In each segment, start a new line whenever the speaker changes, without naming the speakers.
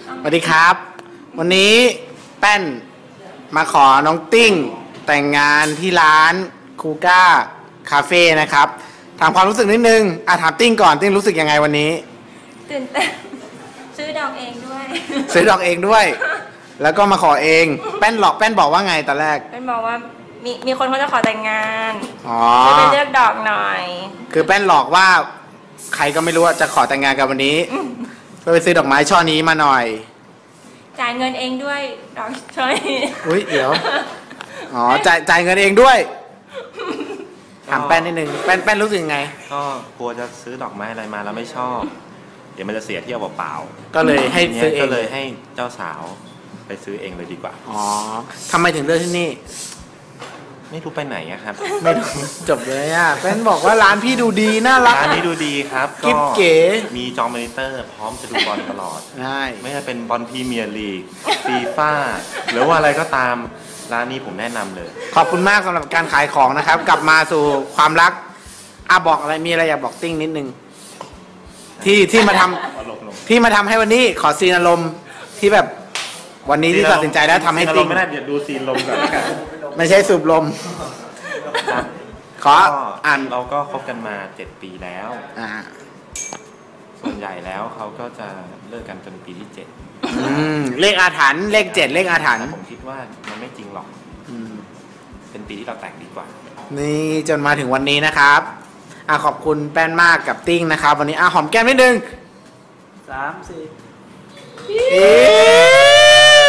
สวัสดีครับวันนี้แป้นมาขอน้องติ้งแต่งงานที่ร้านคูก้าคาเฟ่นะครับถามความรู้สึกนิดนึงถามติ้งก่อนติ้งรู้สึกยังไงวันนี้
ตื่นเต้นซื้อดอกเองด้วย
ซื้อดอกเองด้วยแล้วก็มาขอเองแป้นบอกว่าไงตอนแรก
แป้นบอกว่ามีคนเขาจะขอแต่งงาน
ช่วย
ไปเลือกดอกหน่อย
คือแป้นหลอกว่าใครก็ไม่รู้จะขอแต่งงานกันวันนี้ไปซื้อดอกไม้ช่อนี้มาหน่อย
จ่ายเงินเองด้วยดอกช่อนี้
อุ้ยเดี๋ยวจ่ายเงินเองด้วยถามแป้นนิดนึงแป้นรู้สึกยังไง
ก็กลัวจะซื้อดอกไม้อะไรมาแล้วไม่ชอบเดี๋ยวมันจะเสียเที่ยวเปล่า
ๆก็เลยให้ซื้อเอง
ก็เลยให้เจ้าสาวไปซื้อเองเลยดีกว่า
ทำไมถึงเลือกที่นี่
ไม่รู้ไปไหนครับ
ไม่จบเลยแป้นบอกว่าร้านพี่ดูดีน่ารัก
ร้านนี้ดูดีครับ
กิ๊บเก๋
มีจอมอนิเตอร์พร้อมจะดูบอลตลอด
ใช่
ไม่ว่าเป็นบอลพรีเมียร์ลีกฟีฟ่าหรือว่าอะไรก็ตามร้านนี้ผมแนะนำเลย
ขอบคุณมากสำหรับการขายของนะครับกลับมาสู่ความรักบอกอะไรมีอะไรอยากบอกติ้งนิดนึงที่มาทำให้วันนี้ขอซีนอารมณ์ที่แบบวันนี้ที่ตัดสินใจแล้วทำให้ติ้ง
ไม่ได้เดี๋ยวดูซีนลมก่อน
ไม่ใช่สูบลมขอ
เราก็คบกันมา7 ปีแล้วส่วนใหญ่แล้วเขาก็จะเลิกกันจนปีที่7
เลขอาถรรพ์เลข7เลขอาถรรพ์
ผมคิดว่ามันไม่จริงหรอกเป็นปีที่เราแต่งดีกว่า
นี่จนมาถึงวันนี้นะครับขอบคุณแป้นมากกับติ้งนะครับวันนี้หอมแก้มนิดนึง3 4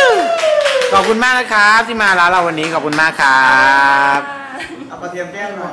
ขอบคุณมากนะครับที่มาร้านเราวันนี้ขอบคุณมากครับเอากระเทียมแก้มหน่อย